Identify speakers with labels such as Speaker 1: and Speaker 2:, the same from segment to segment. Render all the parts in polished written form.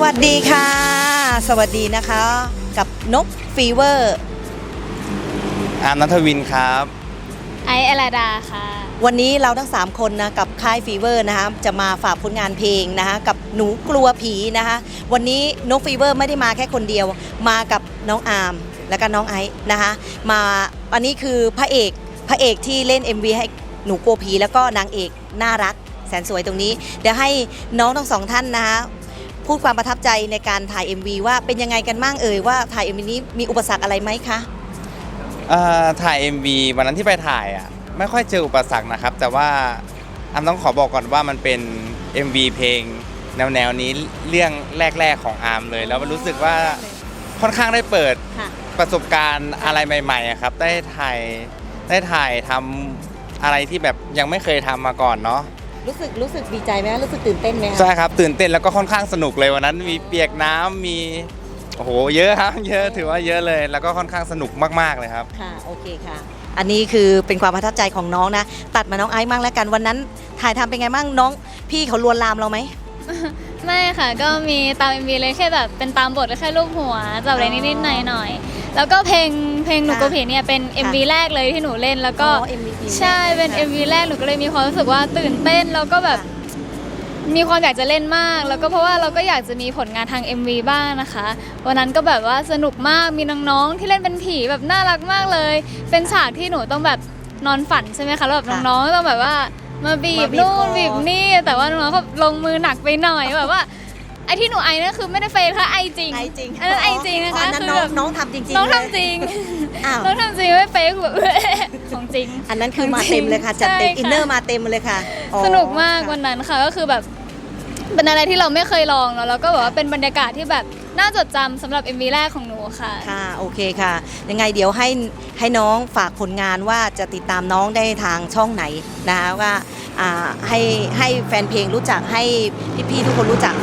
Speaker 1: วัสดีค่ะสวัสดีนะคะกับนกฟีเวอร์
Speaker 2: อาร์มณัฐวินครับ
Speaker 3: ไอซ์อลาดาค่ะ
Speaker 1: วันนี้เราทั้ง3คนนะกับค่ายฟีเวอร์นะคะจะมาฝากผลงานเพลงนะคะกับหนูกลัวผีนะคะวันนี้นกฟีเวอร์ไม่ได้มาแค่คนเดียวมากับน้องอาร์มและก็น้องไอซ์นะคะมาอันนี้คือพระเอกที่เล่น MV ให้หนูกลัวผีแล้วก็นางเอกน่ารักแสนสวยตรงนี้เดี๋ยวให้น้องทั้งสองท่านนะคะพูดความประทับใจในการถ่าย MV ว่าเป็นยังไงกันบ้างว่าถ่าย MV นี้มีอุปสรรคอะไรไหมคะ
Speaker 2: ถ่าย MV วันนั้นที่ไปถ่ายไม่ค่อยเจออุปสรรคนะครับแต่ว่าอาร์มต้องขอบอกก่อนว่ามันเป็น MV เพลงแนวนี้เรื่องแรกๆของอาร์มเลยแล้วมันรู้สึกว่าค่อนข้างได้เปิดประสบการณ์อะไรใหม่ๆครับได้ถ่ายทำอะไรที่แบบยังไม่เคยทำมาก่อนเนาะ
Speaker 1: รู้สึกดีใจไหมรู้สึกตื่นเต้นไหม
Speaker 2: ใช่ครับตื่นเต้นแล้วก็ค่อนข้างสนุกเลยวันนั้นมีเปียกน้ำมีโอ้โหเยอะครับเยอะถือว่าเยอะเลยแล้วก็ค่อนข้างสนุกมากๆเลยครับ
Speaker 1: ค่ะโอเคค่ะอันนี้คือเป็นความประทับใจของน้องนะตัดมาน้องไอซ์มั่งแล้วกันวันนั้นถ่ายทำเป็นไงมั่งน้องพี่เขาลวนลามเราไหม
Speaker 3: ไม่ค่ะก็มีตาม MV เลยแค่แบบเป็นตามบทแค่รูปหัวจับอะไรนิดๆหน่อยๆแล้วก็เพลงหนูกลัวผีเนี่ยเป็น MV แรกเลยที่หนูเล่นแล้วก็ใช่เป็น MV แรกหนูก็เลยมีความรู้สึกว่าตื่นเต้นแล้วก็แบบมีความอยากจะเล่นมากแล้วก็เพราะว่าเราก็อยากจะมีผลงานทาง MV บ้างนะคะวันนั้นก็แบบว่าสนุกมากมีน้องๆที่เล่นเป็นผีแบบน่ารักมากเลยเป็นฉากที่หนูต้องแบบนอนฝันใช่ไหมคะแล้วแบบน้องๆต้องแบบว่ามาบีบนู่นบีบนี่แต่ว่าน้องๆเขาลงมือหนักไปหน่อยแบบว่าไอ้ที่หนูไอนั่นคือไม่ได้เฟซค่ะไอจริงอันนั้นไอจริงนะคะ
Speaker 1: คือแบบน้องทำจริง
Speaker 3: น้องทำจริงน้องทำจริงไม่เฟซแบบของจริง
Speaker 1: อันนั้นคือมาเต็มเลยค่ะจัดเต็มอินเนอร์มาเต็มเลยค่ะ
Speaker 3: สนุกมากวันนั้นค่ะก็คือแบบเป็นอะไรที่เราไม่เคยลองแล้วก็แบบว่าเป็นบรรยากาศที่แบบน่าจดจำสำหรับ MV แรกของหนูค่ะ
Speaker 1: ค่ะโอเคค่ะยังไงเดี๋ยวให้น้องฝากผลงานว่าจะติดตามน้องได้ทางช่องไหนนะคะว่าให้แฟนเพลงรู้จักให้พี่ๆทุกคนรู้จัก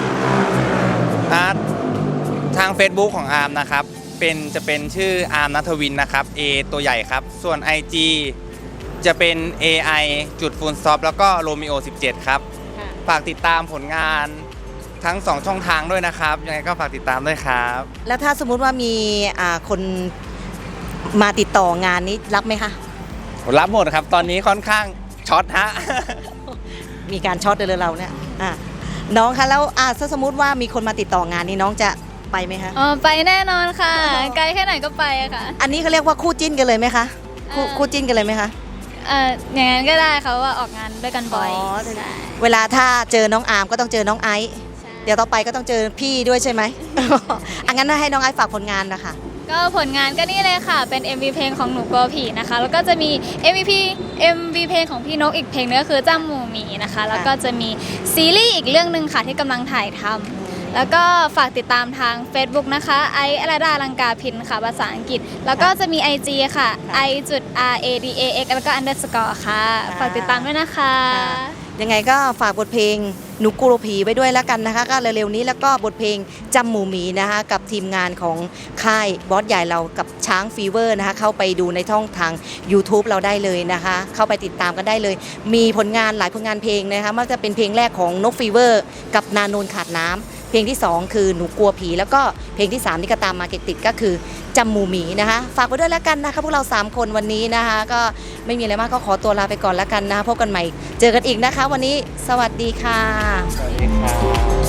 Speaker 2: ทาง Facebook ของอาร์มนะครับจะเป็นชื่ออาร์มณัฐวินนะครับ A ตัวใหญ่ครับส่วน IG จะเป็น AI จุดฟูลสต็อปแล้วก็โรมิโอ17ครับฝากติดตามผลงานทั้ง2ช่องทางด้วยนะครับยังไงก็ฝากติดตามด้วยครับ
Speaker 1: แล้วถ้าสมมุติว่ามีคนมาติดต่องานนี้รับไหมคะ
Speaker 2: รับหมดครับตอนนี้ค่อนข้างช็อตฮะ
Speaker 1: มีการช็อตเลยเราเนี่ยน้องคะแล้วถ้าสมมุติว่ามีคนมาติดต่องานนี้น้องจะไปไหมคะ
Speaker 3: ไปแน่นอนค่ะไกลแค่ไหนก็ไปค่ะ
Speaker 1: อันนี้เขาเรียกว่าคู่จิ้นกันเลยไหมคะคู่จิ้นกันเลยไหมคะ
Speaker 3: อย่างนั้นก็ได้ค่ะว่าออกงานด้วยกันบ่อย
Speaker 1: เวลาถ้าเจอน้องอาร์มก็ต้องเจอน้องไอซ์เดี๋ยวต่อไปก็ต้องเจอพี่ด้วยใช่ไหมงั้นให้น้องไอซ์ฝากผลงานนะคะ
Speaker 3: ก็ผลงานก็นี่เลยค่ะเป็น MV เพลงของหนูกลัวผีนะคะแล้วก็จะมี MV เพลงของพี่นกอีกเพลงนึงก็คือจ้ำหมูหมีนะคะแล้วก็จะมีซีรีส์อีกเรื่องนึงค่ะที่กำลังถ่ายทำแล้วก็ฝากติดตามทาง Facebook นะคะไออลาดาลังกาพินค่ะภาษาอังกฤษแล้วก็จะมี IG ค่ะ i.radax แล้วก็ underscore ค่ะฝากติดตามด้วยนะคะ
Speaker 1: ยังไงก็ฝากบทเพลงหนูกลัวผีไว้ด้วยแล้วกันนะคะก็เร็วๆนี้แล้วก็บทเพลงจำหมูหมีนะคะกับทีมงานของค่ายบอสใหญ่เรากับช้างฟีเวอร์นะคะเข้าไปดูในช่องทาง YouTube เราได้เลยนะคะเข้าไปติดตามกันได้เลยมีผลงานหลายผลงานเพลงนะคะมันจะเป็นเพลงแรกของนกฟีเวอร์กับนาโนนขาดน้ำเพลงที่2คือหนูกลัวผีแล้วก็เพลงที่3ที่ก็ตามมาติดก็คือจำหมูหมีนะคะฝากไว้ด้วยแล้วกันนะคะพวกเรา3คนวันนี้นะคะก็ไม่มีอะไรมากก็ขอตัวลาไปก่อนแล้วกันนะคะพบกันใหม่เจอกันอีกนะคะวันนี้สวัสดีค่ะ
Speaker 2: สวัสดีครับ